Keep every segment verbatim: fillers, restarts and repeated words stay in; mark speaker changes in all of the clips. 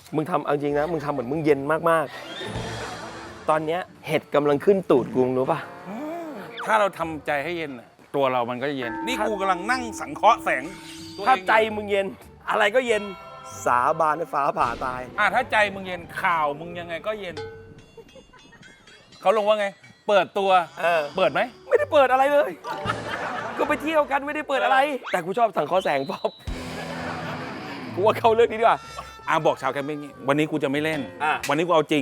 Speaker 1: มึงทำเอาจริงนะมึงทำเหมือนมึงเย็นมากๆตอนเนี้ยเห็ดกำลังขึ้นตูดกูรู้ป่ะ
Speaker 2: ถ้าเราทำใจให้เย็นน่ะตัวเรามันก็จะเย็นนี่กูกำลังนั่งสังเคราะห์แสงตัวเอง
Speaker 1: ถ้าใจมึงเย็นอะไรก็เย็นสาบานให้ฟ้าผ่าตาย
Speaker 2: อ่ะถ้าใจมึงเย็นข่าวมึงยังไงก็เย็นเขาลงว่าไง เปิดตัว
Speaker 1: เออ
Speaker 2: เปิดไหม
Speaker 1: ไม่ได้เปิดอะไรเลย ก็ไปเที่ยวกันไม่ได้เปิดอะไร แต่กูชอบสังเคราะห์แสงป๊อปกูว่าเข้าเรื่องนี้ดีกว่า
Speaker 2: อ่ะบอกชาวแคมปิ้งนี้วันนี้กูจะไม่เล่น
Speaker 1: อ่ะ
Speaker 2: วันนี้กูเอาจริง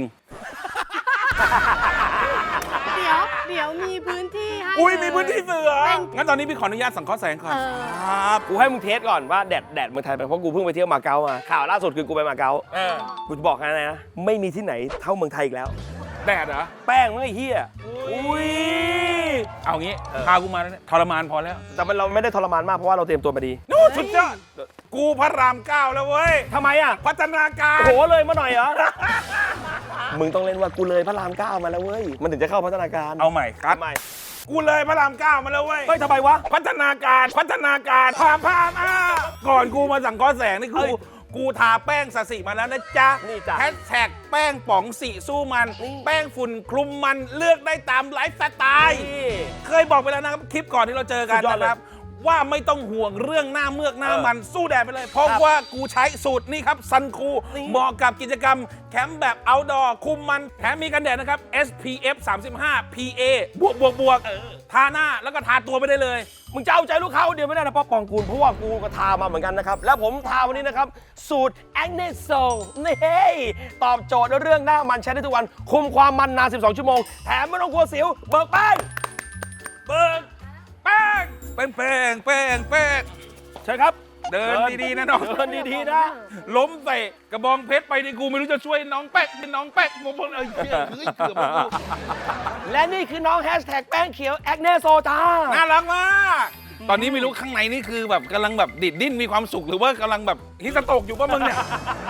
Speaker 3: เดี๋ยวเดี๋ยวมีพื้นที่ให้
Speaker 2: อุ้ย
Speaker 3: เล
Speaker 2: มีพื้นที่เสือ
Speaker 3: เป็น
Speaker 2: งั้นตอนนี้พี่ขออนุญาตสังเคราะห์แสงก่อน
Speaker 3: เออ
Speaker 2: ครับ
Speaker 1: กูให้มึงเทสก่อนว่าแดดแดดเมืองไทยเป็นเพราะกูเพิ่งไปเที่ยวมาเก๊ามาข่าวล่าสุดคือกูไปมาเก๊า
Speaker 2: เออ
Speaker 1: กูจะบอกนะนะไม่มีที่ไหนเท่าเมืองไทยอีกแล้ว
Speaker 2: แดดเหรอ
Speaker 1: แป้งมึงไอ้เหี้ยอุ้ย
Speaker 2: เอางี้
Speaker 1: เออ
Speaker 2: พากูมาแล้วเนี่ยทรมานพอแล้ว
Speaker 1: แต่มันเราไม่ได้ทรมานมากเพราะว่าเราเตรียมตัวมาดี
Speaker 2: นู่นสุดยอดกูพระรามเก้าแล้วเว้ย
Speaker 1: ทำไมอ่ะ
Speaker 2: พัฒนาการ
Speaker 1: โอ้โหเลยมาหน่อยเหรอ มึงต้องเล่นว่ากูเลยพระรามเก้ามาแล้วเว้ยมันถึงจะเข้าพัฒนาการ
Speaker 2: เอาใหม่ครับ
Speaker 1: ทำไม
Speaker 2: กูเลยพระรามเก้ามาแล้วเว้ย
Speaker 1: เฮ้ยทำไมวะ
Speaker 2: พัฒนาการพัฒนาการพามพามอ่ะก่อนกูมาสั่งก้อนแสงนี่
Speaker 1: เฮ้
Speaker 2: กู
Speaker 1: ย
Speaker 2: กูทาแป้งสสิมาแล้วนะจ๊ะ
Speaker 1: นี่จ้ะ
Speaker 2: แฮชแท็กแป้งป๋องสีสู้มัน
Speaker 1: นี่
Speaker 2: แป้งฝุ่นคลุมมันเลือกได้ตามไลฟ์สไตล์
Speaker 1: นี่
Speaker 2: เคยบอกไปแล้วนะครับคลิปก่อนที่เราเจอกัน
Speaker 1: สุดยอดเลย
Speaker 2: นะครับ ว่าไม่ต้องห่วงเรื่องหน้าเมือกหน้า
Speaker 1: เออ
Speaker 2: มันสู้แดดไปเลย เพราะ
Speaker 1: ครับ
Speaker 2: ว่ากูใช้สูตรนี่ครับซันคู
Speaker 1: นี่
Speaker 2: เหมาะกับกิจกรรมแคมป์แบบ outdoor คุมมันแถมมีกันแดดนะครับ เอส พี เอฟ สามสิบห้า พี เอ บวกบวกบวกทาหน้าแล้วก็ทาตัวไปได้เลย
Speaker 1: มึงจะเอาใจลูกค้าคนเดียวไม่ได้นะป๊อปปองกูลเพราะว่ากูก็ทามาเหมือนกันนะครับ แล้วผมทาวันนี้นะครับ สูตร Acne Soul นี่ตอบโจทย์เรื่องหน้ามันใช้ได้ทุกวัน คุมความมันนาน สิบสอง ชั่วโมง แถมไม่ต้องกลัวสิว เบิกแป้ง
Speaker 2: เบิกแป้งแป้งแป้งแป้งแป้ง
Speaker 1: ใช่ครับ
Speaker 2: เดินดีๆนะน้อง
Speaker 1: เดินดีๆนะ
Speaker 2: ล้มใส่กระบองเพชรไปดิกูไม่รู้จะช่วยน้องแป๊กเป็นน้องแป๊กผมบอกเอ้ยเหี้ยเฮ้ยเกือบมากู
Speaker 1: และนี่คือน้องแฮชแท็กแป้งเขียว Acne Soul จ้า
Speaker 2: น่ารักมากตอนนี้ไม่รู้ข้างในนี่คือแบบกำลังแบบดิดดิ้นมีความสุขหรือว่ากำลังแบบฮิสโตกอยู่ป่ะมึงเนี่ย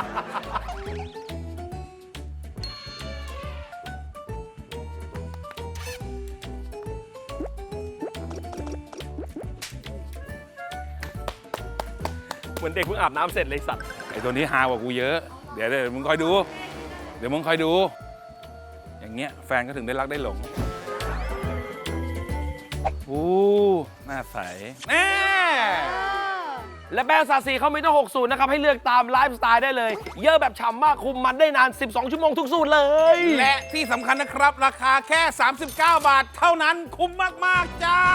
Speaker 1: เหมือนเด็กเพิ่งอาบน้ำเสร็จเลยสัตว์
Speaker 2: ไอ้ตัวนี้ฮากว่ากูเยอะ เดี๋ยวเดี๋ยวมึงคอยดู เดี๋ยวมึงคอยดู อย่างเงี้ยแฟนก็ถึงได้รักได้หลงอู้หน้าใสแน่
Speaker 1: และแบรนด์ซาซีเขามีตั้งหกสูตรนะครับ ให้เลือกตามไลฟ์สไตล์ได้เลย เยอะแบบฉ่ำมากคุมมันได้นาน สิบสอง ชั่วโมงทุกสูตรเลย
Speaker 2: และที่สำคัญนะครับ ราคาแค่ สามสิบเก้า บาท เท่านั้นคุ้มมาก ๆ จ้า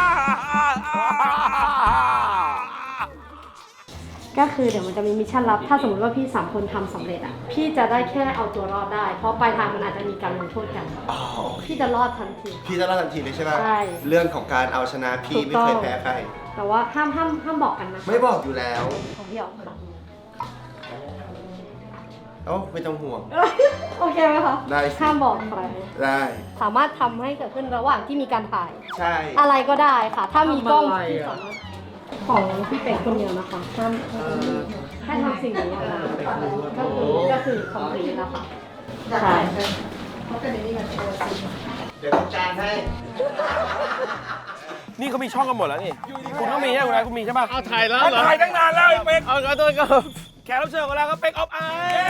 Speaker 3: ก็คือเดี๋ยวมันจะมีมิชชั่นลับ ถ้าสมมติว่าพี่สามคนทำสำเร็จอ่ะ พี่จะได้แค่เอาตัวรอดได้ เพราะปลายทางมันอาจจะมีการลงโทษกัน
Speaker 4: อ๋อ
Speaker 3: พี่จะรอดทันที
Speaker 4: พี่จะเล่าทันทีเลยใช่ไหม
Speaker 3: ใช่
Speaker 4: เรื่องของการเอาชนะพี่
Speaker 3: ถูก
Speaker 4: ไม่
Speaker 3: ต้อง
Speaker 4: เคยแพ้ใคร
Speaker 3: แต่ว่าห้ามห้ามห้ามบอกกันนะ
Speaker 4: ไม่บอกอยู่แล้ว
Speaker 3: ของพี่ออกบอก
Speaker 4: เอ้าไม่ต้องห่วง
Speaker 3: โอเคไหมคะ
Speaker 4: ได้สิ
Speaker 3: ห้ามบอกใคร
Speaker 4: ได้
Speaker 3: สามารถทำให้เกิดขึ้นระหว่างที่มีการถ่าย
Speaker 4: ใช่
Speaker 3: อะไรก็ได้ค่ะ ถ้ามีกล้องที่สามารถของพี่เป็กคนเดียวนะคะห้ามแค่ทำสิ่งนี้นะคะก็คือก็คือคอมพลีทแล้วค่ะใช่
Speaker 4: เดี๋ยวต้องจานให้
Speaker 1: นี่เขามีช่องกันหมดแล้วนี่ คุณก็มีใช่ไหมคุณมีใช่ป่ะ
Speaker 5: เอาถ่ายแล้ว
Speaker 2: เขา
Speaker 5: เหรอ
Speaker 2: ถ่ายตั้งนานแล้วไอ้เป็ก
Speaker 5: เอาเอาตัวก็
Speaker 1: แขกรับเชิญของเราก็เป็กออฟไอ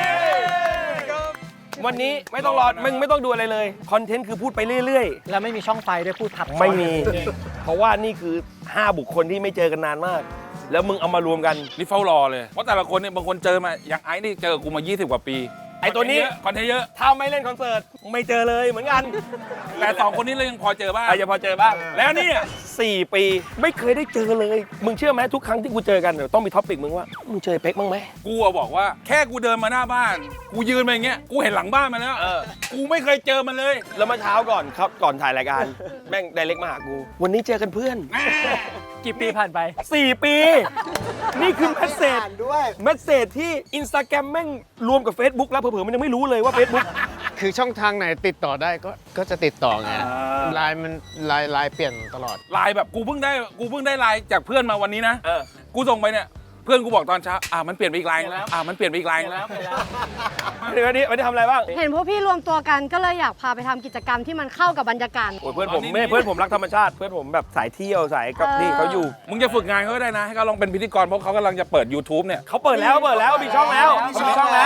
Speaker 1: วันนี้ไม่ต้องรอ มึงไม่ต้องดูอะไรเลย คอนเทนต์คือพูดไปเรื่อย
Speaker 5: แล้วไม่มีช่องไฟด้วยพูดทับ
Speaker 1: ๆ ไม่มี เพราะว่านี่คือ ห้า บุคคลที่ไม่เจอกันนานมาก แล้วมึงเอามารวมกัน
Speaker 2: นี่เฝ้ารอเลย เพราะแต่ละคนเนี่ยบางคนเจอมาอย่างไอ้นี่เจอกูมา ยี่สิบ กว่าปี
Speaker 1: ไอ้ตัวนี้
Speaker 2: คอนเทนต์เยอะ
Speaker 1: ถ้าไม่เล่นคอนเสิร์ต ไม่เจอเลยเหมือนกัน
Speaker 2: แต่สองคนนี้เรายังพอเจอบ้าง
Speaker 1: อาจจะพอเจอบ้าง
Speaker 2: แล้วเนี่ย
Speaker 1: สี่ปีไม่เคยได้เจอเลย มึงเชื่อไหมทุกครั้งที่กูเจอกันเดี๋ยวต้องมีท็อปิกมึงว่า มึงเจอเป๊กบ้างไหม
Speaker 2: กูอะบอกว่าแค่กูเดินมาหน้าบ้าน กูยืนมาอย่างเงี้ย กูเห็นหลังบ้านมาแล้ว
Speaker 1: เออ
Speaker 2: กูไม่เคยเจอมันเลย
Speaker 1: แล้วเมื่อเช้าก่อนครับก่อนถ่ายรายการ แม่งไดเรกมาหากู วันนี้เจอกันเพื่อน
Speaker 5: กี่ปีผ่านไป
Speaker 1: สี่ ปี นี่คือแมสเซจ
Speaker 4: ด้วย
Speaker 1: แมสเซจที่อินสตาแกรมแม่งรวมกับ Facebook แล้วเผลอๆมันยังไม่รู้เลยว่า Facebook
Speaker 5: คือช่องทางไหนติดต่อได้ก็ก็จะติดต่อไงไลน์มันไลน์ไลน์เปลี่ยนตลอด
Speaker 2: ไลน์แบบกูเพิ่งได้กูเพิ่งได้ไลน์จากเพื่อนมาวันนี้นะ
Speaker 1: เออ
Speaker 2: กูส่งไปเนี่ย เพื่อนกูบอกตอนเช้า อ่ะมันเปลี่ยนไปอีกไลน์แล้ว อ่ะมันเปลี่ยนไปอีกไลน์แล้ว
Speaker 1: วันนี้วันนี้วันนี้ทำอะไรบ้าง
Speaker 3: เห็นพวกพี่รวมตัวกันก็เลยอยากพาไปทำกิจกรรมที่มันเข้ากับบรรยากาศ
Speaker 1: โอ้ยเพื่อนผม
Speaker 2: ตอนนี้
Speaker 1: ไม่เพื่อนผมรักธรรมชาติ เพื่อนผมแบบสายเที่ยวสายกับ
Speaker 3: เออ
Speaker 1: นี่เขาอยู่
Speaker 2: มึงจะฝึกงานเขาก็ได้นะ ให้เขาลองเป็นพิธีกรเพราะเขากำลังจะเปิด YouTube เนี่ย
Speaker 1: เขาเปิดแล้วเปิดแล้วมีช่องแล้วมีช่องแล้ว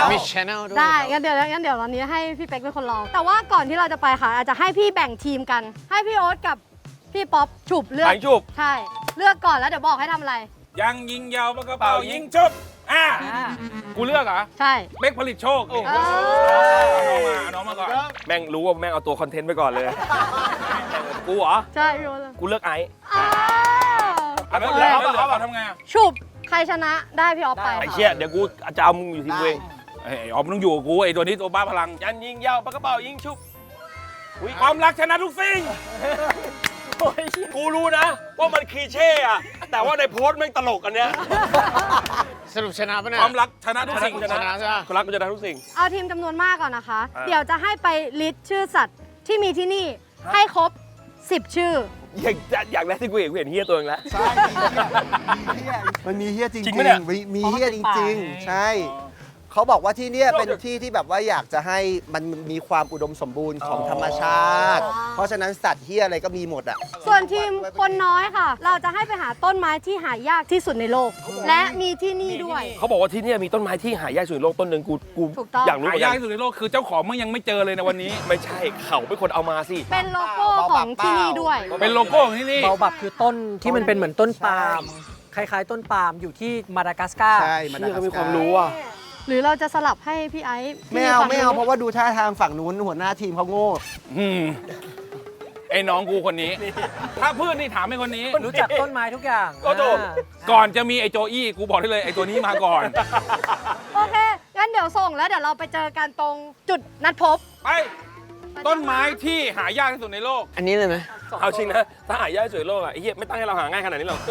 Speaker 5: มีชแนลด้วย
Speaker 3: ได้
Speaker 5: ครับ
Speaker 3: งั้นเดี๋ยวงั้นเดี๋ยววันนี้ให้พี่เป๊กเป็นคนลอง แต่ว่าก่อนที่เราจะไปค่ะ อาจจะให้พี่แบ่งทีมกัน ให้พี่โอ๊ตกับพี่ป๊อปฉุบเลือก
Speaker 1: ไปฉุบ
Speaker 3: ใช่ เลือกก่อนแล้วเดี๋ยวบอกให้ทำอะไร
Speaker 2: ยังยิงยาวปากกระเป๋ายิงชุบอ่ะกูเลือกเหรอ
Speaker 3: ใช่
Speaker 2: เป๊กผลิตโชคนี่
Speaker 3: เอ
Speaker 2: เอาน้องมาเอาน้องมาก่อน
Speaker 1: แม่งรู้ว่าแม่งเอาตัวคอนเทนต์ไปก่อนเลย กูเหรอ
Speaker 3: ใช่พี่โอ๊ตเลย
Speaker 1: กูเลือกไอซ์
Speaker 3: อ้าว
Speaker 2: แล้วเหลือแล้วเหลือเอาทำไงอ่ะ
Speaker 3: ฉุบใครชนะได้พี่ออฟไป
Speaker 1: ไอ้
Speaker 3: ค่ะ
Speaker 1: เชี่ยเดี๋ยวกูจะเอามึงอยู่ทีมกูเอง
Speaker 2: ไอ้ออมต้องอยู่กับกูไอ้ตัวนี้ตัวบ้าพลัง
Speaker 1: ยันยิงยาวปากกระเป๋ายิงชุบ
Speaker 2: ความรักชนะทุกสิ่ง
Speaker 1: กูรู้นะว่ามันคลีเช่อะแต่ว่าในโพสต์แม่งตลกอันเนี้ย
Speaker 5: สรุปชนะปะเนี่ย
Speaker 2: ความรักชนะทุกสิ่ง
Speaker 5: ชนะใช่ปะ
Speaker 1: คนรักกูจะได้ทุกสิ่ง
Speaker 3: เอาทีมจำนวนมากก่อนนะคะ
Speaker 1: อ่า
Speaker 3: เดี๋ยวจะให้ไปลิสต์ชื่อสัตว์ที่มีที่นี่ให้ครบสิบชื่อ
Speaker 1: อย่างอย่างแรกที่กูเห็นกูเห็นเฮียตัวเองแล้ว
Speaker 4: ใช่ มันมีเฮี้ยจริง
Speaker 1: จริงปะเนี่ย
Speaker 4: ๆมีมีเฮี้ยจริง ๆ ใช่ เขาบอกว่าที่เนี่ยเป็นที่ที่แบบว่าอยากจะให้มันมีความอุดมสมบูรณ์ของธรรมชาติ
Speaker 3: อ๋อ
Speaker 4: เพราะฉะนั้นสัตว์เฮี้ยอะไรก็มีหมดอ่ะ
Speaker 3: ส่วนทีมคนน้อยค่ะ เราจะให้ไปหาต้นไม้ที่หายากที่สุดในโลก และมีที่นี่ด้วย
Speaker 1: เขาบอกว่าที่เนี่ยมีต้นไม้ที่หายากสุดในโลกต้นหนึ่งกูกู
Speaker 3: ถูกต้อง
Speaker 1: อยากรู้
Speaker 2: หา
Speaker 1: เหมือน
Speaker 2: ยา
Speaker 1: กั
Speaker 2: ก
Speaker 1: น
Speaker 2: ที่สุดในโลกคือเจ้าของมึงยังไม่เจอเลยในวันนี้
Speaker 1: ไม่ใช่เขาเป็นคนเอามาสิ
Speaker 3: เป็นโลโก้ของที่นี่ด้วย
Speaker 2: เป็นโลโก้ของที่นี่
Speaker 6: เบาบับคือต้นที่มันเป็นเหมือนต้นปาล์มคล้ายๆ ต้นปาล์มอยู่ที่มาดากัสการ์
Speaker 4: ใช่มัน
Speaker 1: เชี่ยก็มีความรู้อ่ะ
Speaker 3: หรือเราจะสลับให้พี่ไอซ์
Speaker 4: ไม่เอา
Speaker 3: ฝั่ง
Speaker 4: ไม่เอา
Speaker 3: นู้น
Speaker 4: เพราะว่าดูท่าทางฝั่งนู้นหัวหน้าทีมเขาโง่
Speaker 2: อืมไอ้น้องกูคนนี้ ถ้าเพื่อนนี่ถามไอ้คนนี้
Speaker 6: รู้จักต้นไม้ทุกอย่าง
Speaker 1: โอ้โห
Speaker 6: อ่า
Speaker 2: ก่อนจะมีไอ้โจอี้กูบอกได้เลยไอ้ตัวนี้มาก่อน
Speaker 3: โอเค งั้นเดี๋ยวส่งแล้วเดี๋ยวเราไปเจอกันตรงจุดนัดพบ
Speaker 2: ไป ต้นไม้ที่หายากที่สุดในโลก
Speaker 5: อันนี้เลยไหม
Speaker 1: เอาจริงนะถ้าหายากสุดในโลกอ่ะไอ้เหี้ยไม่ตั้งให้เราหาง่ายขนาดนี้หรอก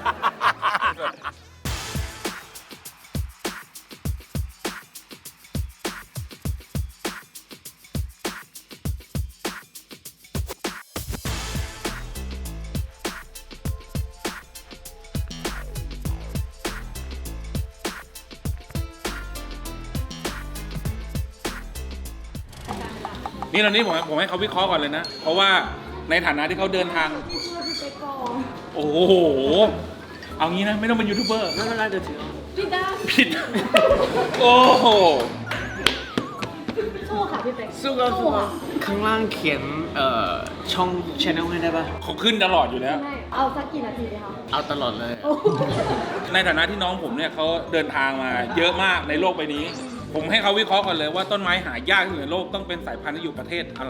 Speaker 2: นี่ตอนนี้ผมผมให้เขาวิเคราะห์ก่อนเลยนะ เพราะว่าในฐานะที่เขาเดินทาง โอ้โห เอางี้นะ ไม่ต้องเป็นยูทูบเบอร์
Speaker 6: ไม่เป็นไรเดี๋ยวถือ
Speaker 2: ผิด โอ้โห
Speaker 3: สู้ค่ะพี่เป๊ก
Speaker 6: สู้กันสู้กันข้างล่างเขียนเอ่อช่องช anel ให้ได้ปะ
Speaker 2: เขาขึ้นตลอดอยู่แล้ว
Speaker 3: ไม่เอาสักกี่นาทีดีคะ
Speaker 5: เอาตลอดเลย
Speaker 2: ในฐานะที่น้องผมเนี่ยเขาเดินทางมาเยอะมากในโลกใบนี้ ผมให้เขาวิเคราะห์ก่อนเลยว่าต้นไม้หายากที่สุดในโลกต้องเป็นสายพันธุ์ที่อยู่ประเทศอะไร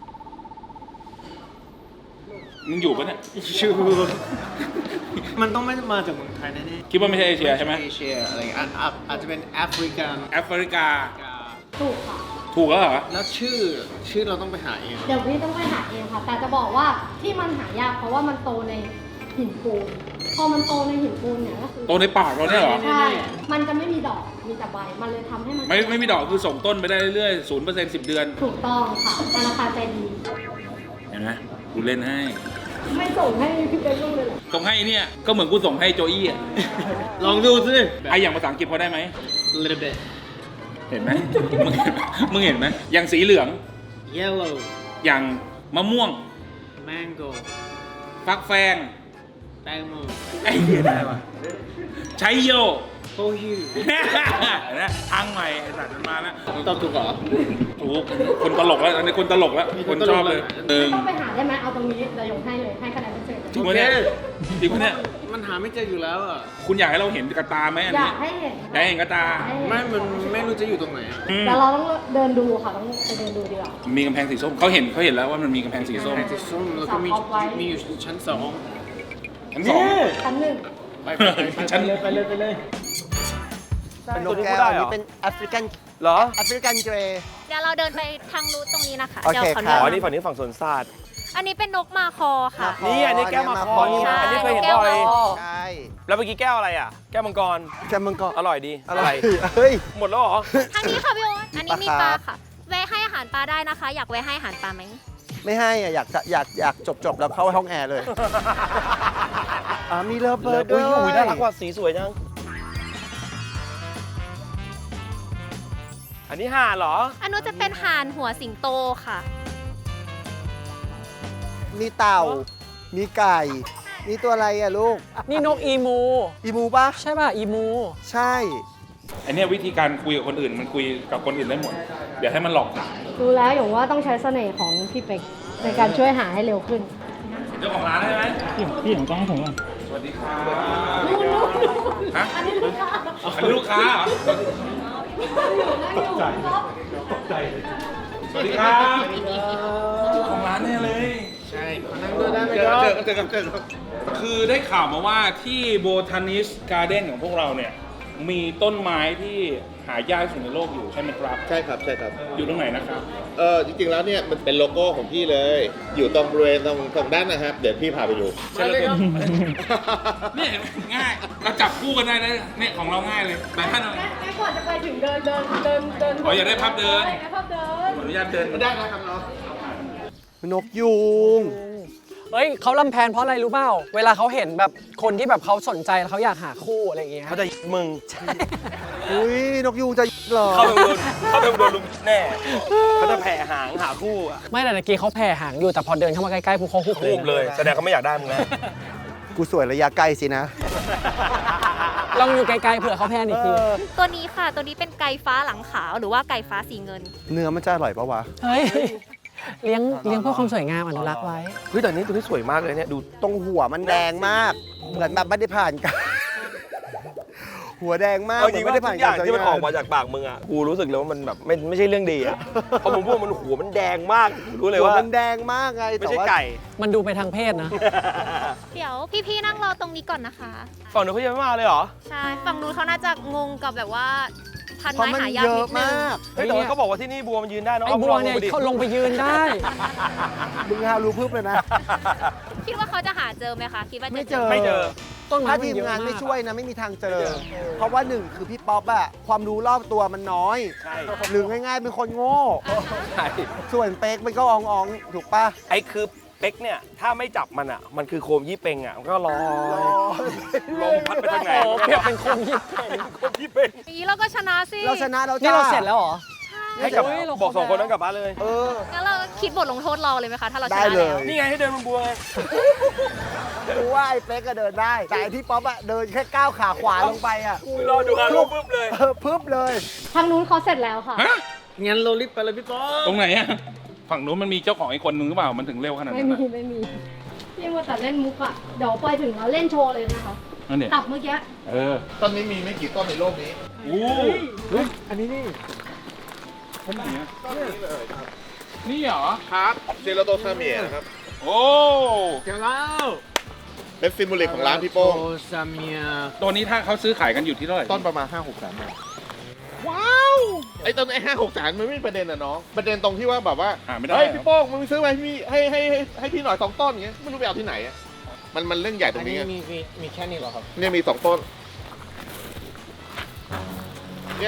Speaker 2: มึงอยู่ปะเนี่ย
Speaker 6: ชูมันต้องไม่มาจากเมืองไทยแน่ๆ
Speaker 2: คิดว่าไม่ใช่เอเชียใช่ไหม
Speaker 5: เอเชียอะไรอย่างเงี้ยอาจอาจจะเป็นแอฟริกัน
Speaker 2: แอฟริกา
Speaker 3: ถูกค่ะ
Speaker 2: ถูกแล้วเหรอ
Speaker 5: แล้วชื่อชื่อเราต้องไปหาเอง
Speaker 3: เดี๋ยวพี่ต้องไปหาเองค่ะ แต่จะบอกว่าที่มันหายากเพราะว่ามันโตในหินปูน พอมันโตในหินปูนเนี่ยก็คือ
Speaker 2: โตในปากเราเนี่ยเหรอ
Speaker 3: ใช่ มันจะไม่มีดอก มีแต่ใบ มันเลยทำให้มัน
Speaker 2: ไม่ไม่มีดอกคือส่งต้นไปได้เรื่อยๆศูนย์เปอร์เซ็นต์สิบเดือน
Speaker 3: ถูกต้องค่ะธนาคารใจดี
Speaker 2: เห็นไหมกูเล่นให้
Speaker 3: ไม่ส่งให้พี่เป๊กลูกเลยเหรอ
Speaker 2: ส่งให้เนี่ยก็เหมือนกูส่งให้โจอี้อะ
Speaker 5: ลองดูสิ
Speaker 2: ไออย่างภาษาอังกฤษพอได้ไหม
Speaker 5: little bit
Speaker 2: เห็นไหมมึงเห็นไหมมึงเห็นไหมอย่างสีเหลือง
Speaker 5: yellow
Speaker 2: อย่างมะม่วง
Speaker 5: mango
Speaker 2: ฟักแฟง
Speaker 5: แตงโม
Speaker 2: ไอ้เหี้ยได้ปะใช้โย
Speaker 5: โคฮิว
Speaker 2: นะทางใหม่ไอ้สัตว์มันมาแล้ว
Speaker 5: ตอบถูกเหรอ
Speaker 2: ถูกคนตลกแล้วอันนี้คนตลกแล้ว คนชอบเลยหนึ่ง
Speaker 3: ต้องไปหาได้ไหมเอาตรงนี้เดี๋ยวยงให้เลย ให้คะแนนพิเศษ
Speaker 2: จริงปะเนี่ยจริงปะเนี่ย
Speaker 5: มันหาไม่เจออยู่แล้วอ่ะ
Speaker 2: คุณอยากให้เราเห็นกระตาไหมอัน
Speaker 3: อยา
Speaker 2: นี้
Speaker 3: กให้เห็น
Speaker 2: อยากให้เห็นกระตา
Speaker 3: ให้เห็น
Speaker 5: ไม่ มันไม่รู้จะอยู่ตรงไหนอะ
Speaker 2: อืม
Speaker 3: แต่เราต้องเดินดูค่ะ ต้องไปเดินดูดีกว่า
Speaker 2: มีกำแพงสีส้มเขาเห็นเขาเห็นแล้วว่ามันมีกำแพงสีส้ม
Speaker 5: แพงสีส้มแล้วก็มี
Speaker 3: สับเอาไว้
Speaker 5: มีอยู่ชั้นสอง
Speaker 2: ชั้นสอง
Speaker 3: ชั้นหนึ่ง
Speaker 5: ไปไปไปไป
Speaker 2: ชั้น
Speaker 6: เลยไปเลยไปเลย
Speaker 4: เป็นนก
Speaker 1: ตัวนี้
Speaker 4: แก้
Speaker 1: พูดได้
Speaker 4: ว
Speaker 1: เหรอ
Speaker 4: นี่เป็นแอฟริกัน
Speaker 1: เหรอ
Speaker 4: แอฟริกันเกรย์
Speaker 7: เดี๋ยวเราเดินไปทางรูทตรงนี้นะคะ
Speaker 4: โอเค
Speaker 7: เดี๋ยวขอ
Speaker 4: ครั
Speaker 7: เดิ
Speaker 4: บ
Speaker 1: อ๋อ นี่ฝั่งนี้ฝั่งสวนสัตว์
Speaker 7: อันนี้เป็นนกมาคอค่ะ
Speaker 1: นี่อันนี้แก้วมาคอนี่
Speaker 7: ใช่
Speaker 1: อันนี้เคยเห็น
Speaker 7: แก้ว
Speaker 1: บ่อย
Speaker 7: มาคอ
Speaker 4: ใช่
Speaker 1: แล้วเมื่อกี้แก้วอะไรอ่ะ แก้วมังกร
Speaker 4: แกมันก็
Speaker 1: อร่อยดี
Speaker 4: อะไรเฮ้ย
Speaker 1: หมดแล้วเหรอ
Speaker 7: ทางนี้ค่ะพี่โอ๊ตอันนี้มี
Speaker 4: ป
Speaker 7: ป
Speaker 4: ลา
Speaker 7: ลา
Speaker 4: ครับ
Speaker 7: ค่ะ แวะให้อาหารปลาได้นะคะ อยากแวะให้อาหารปลาไหม
Speaker 4: ไม่ให้อะอยากจะอยากอยากจบจบแล้วเข้าห้องแอร์เลยอ่ามีเลิฟเบิร์ด
Speaker 1: อุ้
Speaker 4: ด้วย ย
Speaker 1: อุ้ยน่ารักว่ะสีสวยจัง อันนี้ห่านเหรอ
Speaker 7: อันนู้นจะเป็นห่านหัวสิงโตค่ะ
Speaker 4: มีเต่า มีไก่ มีตัวอะไรอะลูก
Speaker 6: นี่นกอีมู
Speaker 4: อีมูปะ
Speaker 6: ใช่ป่ะ อีมู
Speaker 4: ใช่
Speaker 2: อันเนี้ยวิธีการคุยกับคนอื่นมันคุยกับคนอื่นได้หมด เดี๋ยวให้มันหลอกถาม
Speaker 3: ดูแล้วอย่างว่าต้องใช้เสน่ห์ของพี่เป็กในการช่วยหาให้เร็วขึ้น
Speaker 2: เจ้าของร้านใช่ไหม
Speaker 8: พี่พี่ผมต้องให้ผมก่อน
Speaker 2: สวัสดีครับ
Speaker 3: นู่นนู่น
Speaker 2: ฮะ
Speaker 3: อันนี้ลูกค้า
Speaker 2: อันนี้ลูกค้าเหรอ
Speaker 3: ตกใจตกใจ
Speaker 2: สวัสดีครับเจ้าของร้านแน่เลย
Speaker 5: ใช่นั่งด้วยได้ไหม
Speaker 2: เจอ
Speaker 5: ครับ
Speaker 2: เจอเจอเจอคือได้ข่าวมาว่าที่โบทานิสการ์เด้นของพวกเราเนี่ย มีต้นไม้ที่หายากที่สุดในโลกอยู่ใช่ไหมครับ
Speaker 9: ใช่ครับใช่ครับ
Speaker 2: อยู่ตรงไหนนะครับ
Speaker 9: เออจริงๆแล้วเนี่ยมันเป็นโลโก้ของพี่เลย อยู่ตรงบริเวณตรงตรงด้านนะครับ เดี๋ยวพี่พาไปดู
Speaker 2: ใช่เลยครับ นี่เห็นไหมง่าย เราจับคู่กันได้นะเนี่ยของเราง่ายเลยแต่ถ้าเรา
Speaker 3: แม่ก่อนจะไปถึงเดินเดินเดินเดิน
Speaker 2: อ๋ออยากได้ภาพเดิน
Speaker 3: ได้ภาพเดิน
Speaker 2: ขออนุญาตเดิน
Speaker 9: ได้นะครับน้อง
Speaker 4: นกยูง
Speaker 6: เฮ้ยเขาลำแพนเพราะอะไรรู้เปล่า เวลาเขาเห็นแบบคนที่แบบเขาสนใจแล้วเขาอยากหาคู่อะไรอย่างเงี้ย
Speaker 1: เขาจะมึง
Speaker 4: อุ้ยนกยูงจะเหรอ
Speaker 1: เขาไปโดนเขาไปโดนลุมแน่เขาจะแผ่หางหาคู่อะ
Speaker 6: ไม่แต่ตะกี้เขาแผ่หางอยู่แต่พอเดินเข้ามาใกล้ๆพวกเขาหุบ
Speaker 1: รูปเลย แสดงเขาไม่อยากได้มึงนะ
Speaker 4: กูสวยระยะใกล้สินะ
Speaker 6: ลองอยู่ไกลๆเผื่อเขาแพนอีกที
Speaker 7: ตัวนี้ค่ะ ตัวนี้เป็นไก่ฟ้าหลังขาวหรือว่าไก่ฟ้าสีเงิน
Speaker 4: เนื้อมันจะอร่อยปะวะ
Speaker 6: เฮ้ยเลี้ยงเลี้ยงเพื่อความสวยงามอนุรักษ์ไว้
Speaker 1: เฮ้ยแต่นี้ตัวนี้สวยมากเลยเนี่ยดู
Speaker 4: ตรงหัวมันแดงมาก เหมือนแบบไม่ได้ผ่านกัน หัวแดงมาก
Speaker 1: เอา
Speaker 4: เห
Speaker 1: จ
Speaker 4: มื
Speaker 1: ริ
Speaker 4: อง นไม่
Speaker 1: ว่า
Speaker 4: ได้
Speaker 1: ทุ
Speaker 4: ผ่าน
Speaker 1: กอก
Speaker 4: า
Speaker 1: ย่าร งที่มันออก
Speaker 4: ใช้ง
Speaker 1: มาจากปากมึงอ่ะกูรู้สึกเลยว่ามันแบบไม่ไม่ใช่เรื่องดีอ่ะเพราะมึงพูดมันหัวมันแดงมากกูรู้เลย
Speaker 4: หัว
Speaker 1: ว่า
Speaker 4: มันแดงมากไง
Speaker 1: ไม่
Speaker 4: แต่
Speaker 1: ใช่
Speaker 4: ว่า
Speaker 1: ไก่
Speaker 6: มันดูไปทางเพศนะ
Speaker 7: เดี๋ยวพี่ๆนั่งรอตรงนี้ก่อนนะคะ
Speaker 1: ฝั่งนู้นเขายังไม่มาเลยเหรอ
Speaker 7: ใช่ ฝั่งนู้นเขาน่าจะงงกับแบบว่าพัน
Speaker 4: เพราะ
Speaker 7: ไม้
Speaker 4: มัน
Speaker 7: หายาก
Speaker 4: เย
Speaker 7: นิ
Speaker 4: อะ
Speaker 7: ดนึง
Speaker 4: มาก
Speaker 1: เฮ้ยแต่ว่าเขาบอกว่าที่นี่บัวมันยืนได้เนอะ
Speaker 6: ไอ้บัวเนี่ย
Speaker 1: อาลงไปดิ
Speaker 6: เขาลงไปยืนได้
Speaker 4: มึงฮารู้พึบเลยนะ
Speaker 7: คิดว่าเขาจะหาเจอไหมคะ คิดว่าจะ
Speaker 4: ไม่เจอ
Speaker 1: ไม่เจอ
Speaker 6: ต้นไม้
Speaker 4: ถ้า
Speaker 6: มัน
Speaker 4: ทีม
Speaker 6: เยอะ
Speaker 4: งาน
Speaker 6: มาก
Speaker 4: ไม่ช่วยนะไม่มีทางเจอ เพราะว่าหนึ่งคือพี่ป๊อปอะความรู้รอบตัวมันน้อย
Speaker 1: ใช่
Speaker 4: หรือง่ายๆเป็นคนโง่
Speaker 1: ใช่
Speaker 4: ส่วนเป๊กมันก็อองอองๆถูกปะ
Speaker 1: ไอ้คือเป๊กเนี่ยถ้าไม่จับมันอ่ะมันคือโคมยี่เปงอ่ะมันก็ลอยลมพัดไปทางไหน
Speaker 6: โอ้เปรียบเป็นคนที่
Speaker 1: โคมยี่เปง
Speaker 7: อย่างนี้เราก็ชนะสิ
Speaker 4: เราชนะเรา
Speaker 6: นี่
Speaker 4: จ้า
Speaker 6: เราเสร็จแล้วเหรอ
Speaker 1: ให้กับ
Speaker 6: เฮ้ยเรา
Speaker 1: บอกสอง
Speaker 6: ค
Speaker 1: ค
Speaker 6: รบ
Speaker 1: นนั้นกลับบ้านเลย
Speaker 4: เออ
Speaker 7: งั้นเราคิดบทลงโทษเราเลยไหมคะ ถ้าเราช
Speaker 4: ได้
Speaker 7: นะ
Speaker 4: เล
Speaker 7: แล้ว
Speaker 4: ย
Speaker 1: นี่ไงให้เดินบนบัวไง
Speaker 4: กูว่าไอ้เป๊กก็เดินได้ แต่ไอ้พี่ป๊อปอะเดินแค่ก้าวขาขวาลงไปอะ
Speaker 1: รอดูอารมณ์ปุ๊บเลย
Speaker 4: เออพึบเลย
Speaker 3: ทางนู้นเขาเสร็จแล้วค่ะ
Speaker 2: ฮะ
Speaker 8: งั้นเรารีบไปเลยพี่ป๊อป
Speaker 2: ตรงไหนอะฝั่งนู้นมันมีเจ้าของอีกคนนึงหรือเปล่า มันถึงเร็วขนาด
Speaker 3: ไม่
Speaker 2: นั้น
Speaker 3: มี
Speaker 2: อะ
Speaker 3: ไม่มีพี่ว่าแต่เล่นมุกอะเดี๋ยวไปถึงเราเล่นโชว์เลยนะคะ
Speaker 2: นั่นเนี่ย
Speaker 3: ตับเมื่อกี้
Speaker 2: เออ
Speaker 9: ต้นนี้มีไม่กี่ต้นในโลกนี้
Speaker 2: อู้
Speaker 6: อันนี้นี่
Speaker 2: ต้นไหนอะนี่เหรอ
Speaker 9: ครับเซโรโตซาเมียนะครับ
Speaker 2: โอ้
Speaker 6: เดี๋ยวแล้ว
Speaker 9: เป็นซิมโบลิกของร้านพี่โป้ง
Speaker 6: โอซาเมีย
Speaker 2: ตัวนี้ถ้าเขาซื้อขายกันอยู่ที่เท่าไหร่
Speaker 9: ต้นประมาณ ห้าหกแสนบาทว้าว ไอ้ต้นไอ้ห้าหกแสนมันไม่มีประเด็นอะน้อง ประเด็นตรงที่ว่าแบบว่า
Speaker 2: หาไม่ได้
Speaker 9: เฮ้ย
Speaker 2: เหรอ
Speaker 9: พี่โป้งมึงซื้อมาให้พี่ให้ให้ให้ให้พี่หน่อยสองต้นอย่างเงี้ยไม่รู้ไปเอาที่ไหนอะมันมันเรื่องใหญ่ตร
Speaker 6: อัน
Speaker 9: ง
Speaker 6: นี้
Speaker 9: นี้ไง
Speaker 6: มีมีมีแค่นี้เหรอครับ
Speaker 9: เนี่ยมีสองต้นเนี่ย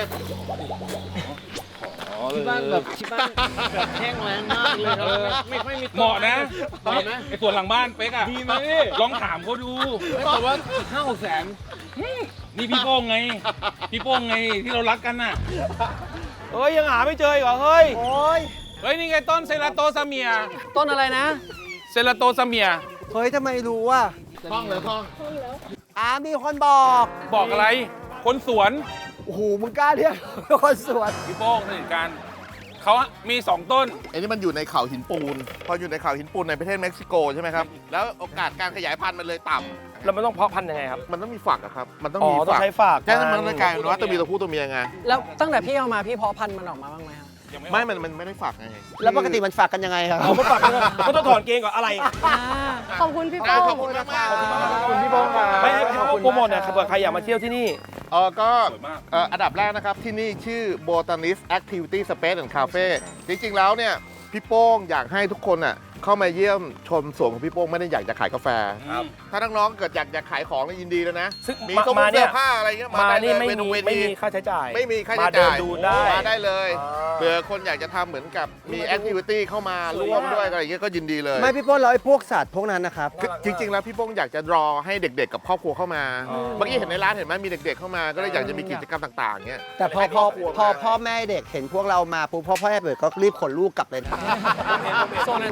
Speaker 6: ที่บ้านแบบที่บ้านแบบแห้งแล้งมากเลยครับไม่ค่อยมี
Speaker 2: เหมาะนะ
Speaker 6: เหมาะนะ
Speaker 2: ไอ้ส่วนหลังบ้านเป๊กอะ
Speaker 6: ดีไหม
Speaker 2: ลองถามเขาดู
Speaker 6: แต่ว่าห้าหกแสน
Speaker 2: นี่พี่โป้งไง พี่โป้งไงที่เรารักกันน่ะ
Speaker 1: เฮ้ยยังหาไม่เจออีกเหรอเฮ้ย
Speaker 4: โอ้ย
Speaker 2: เฮ้ย นี่ไงต้นเซราโตซาเมีย
Speaker 6: ต้นอะไรนะ
Speaker 2: เซราโตซาเมีย
Speaker 4: เฮ้ยทำไมรู้ว่า
Speaker 9: ท่องเลยท่อง
Speaker 4: อ่ามีคนบอก
Speaker 2: บอกอะไร คนสวน
Speaker 4: โอ้โหมึงกล้าเรียกคนสวน
Speaker 2: พี่โป้งสนิทกันเขามีสองต้น
Speaker 9: ไอ้นี่มันอยู่ในเขาหินปูน พออยู่ในเขาหินปูนในประเทศเม็กซิโกใช่ไหมครับ แล้วโอกาสการขยายพันธุ์มันเลยต่ำ
Speaker 1: แล้วมันต้องเพาะพันธุ์ยังไงครับ
Speaker 9: มันต้องมีฝักอะครับ มันต้อง
Speaker 1: อ๋อ
Speaker 9: มี
Speaker 1: ต้อง
Speaker 9: ฝัก
Speaker 1: ใช้ฝาก
Speaker 9: ใช่มันต้องกลายเป็นว่าต้องมีตัวผู้ตัวเมียไง
Speaker 6: แล้วตั้งแต่พี่เอามาพี่เพาะพันธุ์มันออกมาบ้างไหมครับ
Speaker 9: ไม่ มันมันไม่ได้ฝักไง
Speaker 4: แล้วปกติมันฝากกันยังไงครับ
Speaker 1: เอามาฝากกันมันต้องถอนเกงก่อนอะไร
Speaker 3: ขอบคุณพี่โป้ง
Speaker 9: ขอบคุณมากๆ
Speaker 4: ขอบคุณพี่โป้งครับ
Speaker 1: ไม่ให้พี่โปรโมทเนี่ยเผื่อใครอยากมาเที่ยวที่นี่
Speaker 9: เออก็
Speaker 2: สวยมาก
Speaker 9: เอ่ออันดับแรกนะครับ ที่นี่ชื่อ Botanist Activity Space and Cafe จริงๆแล้วเนี่ย พี่โป้งอยากให้ทุกคนอ่ะเข้ามาเยี่ยมชมสวนของพี่โป้งไม่ได้อยากจะขายกาแฟ
Speaker 1: ครับ
Speaker 9: ถ้าน้องๆเกิดอยากจะขายของเนี่ยยินดีแล้วนะ
Speaker 1: ซึ่ง
Speaker 9: มี
Speaker 1: มา
Speaker 9: ตู้
Speaker 1: มาเนี่
Speaker 9: เสื้
Speaker 1: ย
Speaker 9: อผ้าอะไรเงี้ย
Speaker 1: มา
Speaker 9: ได้
Speaker 1: นี่
Speaker 9: เลย
Speaker 1: ไม่
Speaker 9: เว
Speaker 1: มี
Speaker 9: เว
Speaker 1: ไม่
Speaker 9: ที
Speaker 1: มีค่าใช้จ่าย
Speaker 9: ไม่มีค่า
Speaker 1: มา
Speaker 9: ใช้
Speaker 1: เดิ
Speaker 9: จ่าน ย
Speaker 1: ดูได้
Speaker 9: มาได้เลย
Speaker 1: อ่า
Speaker 9: เผื่อคนอยากจะทำเหมือนกับมีแอคทิวิตี้เข้ามาร่วมด้วยอะไรอย่างเงี้ยก็ยินดีเลย
Speaker 4: ไม่พี่โป้งแล้วไอ้พวกสัตว์พวกนั้นนะครับ
Speaker 9: คือจริง ๆ แล้วพี่โป้งอยากจะรอให้เด็ก ๆ กับครอบครัวเข้ามา เมื่อกี้เห็นในร้านเห็นไหมมีเด็ก ๆ เข้ามาก็เลยอยากจะมีกิจกรรมต่างๆเงี้ย
Speaker 4: แต่พอพอพอพ่อแม่เด็กเห็นพวกเรามาปุ๊บพ่อพ่อแม่เปิดก็รีบขนลูกกลับเลยนะ
Speaker 6: โซนอันตราย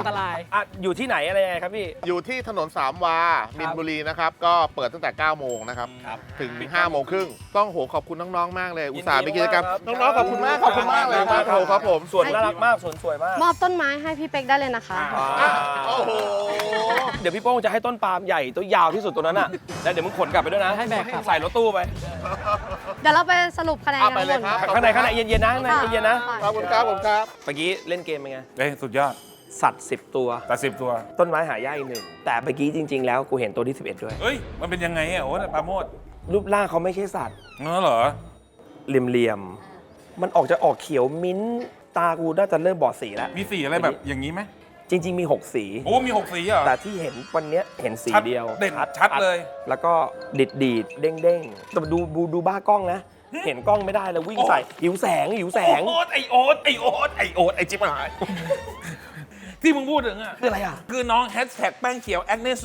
Speaker 1: อ่ะอยู่ที่ไหนอะไรยังไงครับพี่
Speaker 9: อยู่ที่ถนนสามวา มินบุรีนะครับ ก็เปิดตั้งแต่ เก้าโมงนะครับ ถึง ห้าโมงครึ่ง ต้องโหขอบคุณน้อง ๆ มากเลย อุตส่าห์มีกิจกรรม
Speaker 1: ยินดี
Speaker 9: น้อง
Speaker 1: มากครับ
Speaker 9: ๆ ขอบคุณมาก ขอบคุณมากเลยครับผมครับผม
Speaker 1: สวนน่ารักมากสวนสวยมาก
Speaker 3: มอบต้นไม้ให้พี่เป๊กได้เลยนะคะ
Speaker 1: อ่า
Speaker 9: โอ้โห
Speaker 1: เดี๋ยวพี่โป้งจะให้ต้นปาล์มใหญ่ตัวยาวที่สุดตัวนั้นอ่ะ แล้วเดี๋ยวมึงขนกลับไปด้วยนะ
Speaker 6: ให้แบกกลับ
Speaker 1: ใส่รถตู้ไป
Speaker 3: เดี๋ยวเราไปสรุปคะแนน
Speaker 9: เอา
Speaker 3: กัน
Speaker 9: ไปเลย
Speaker 3: น
Speaker 9: ครับ
Speaker 1: ข้างในข้างในเย็นๆนะข้างในเย็นๆนะ
Speaker 9: ขอบคุณครับผมครับ
Speaker 1: เมื่อกี้เล่นเกมเป็นไง
Speaker 2: เอ้ยสุดยอด
Speaker 1: สัตว์สิบตัว
Speaker 2: แต่สิบตัว
Speaker 1: ต้นไม้หายากอีกหนึ่ง แต่เมื่อกี้จริง ๆ แล้วกูเห็นตัวที่สิบเอ็ดด้วย
Speaker 2: เอ้ย มันเป็นยังไงอ่ะโอ้ปราโมด
Speaker 1: รูปร่างเขาไม่ใช่สัตว์
Speaker 2: เออเหรอ
Speaker 1: เหลี่ยมๆ มันออกจะออกเขียวมิ้นท์ตากูน่าจะเริ่มบอดสีแล้ว
Speaker 2: มีสีอะไรแบบอย่างนี้ไหม
Speaker 1: จริง ๆ มี หก สี
Speaker 2: โอ้มีหกสีเหรอ
Speaker 1: แต่ที่เห็นวันเนี้ยเห็นสี
Speaker 2: ชัด
Speaker 1: เดียว
Speaker 2: เด่นชัดเลย
Speaker 1: แล้วก็ดิดดีดๆเด้งเด้งๆแต่ดูดูดูบ้ากล้องนะ เห็นกล้องไม่ได้แล้ววิ่งใส่หิวแสงหิวแสง
Speaker 2: โอ๊ตไอโอ๊ตไอโอ๊ตไอโอ๊ตไอจิ๊บหาย ที่มึงพูดถึงอ่ะ
Speaker 1: คืออะไรอ่ะ
Speaker 2: คือน้องแฮชแท็กแป้งเขียวแอคเนโซ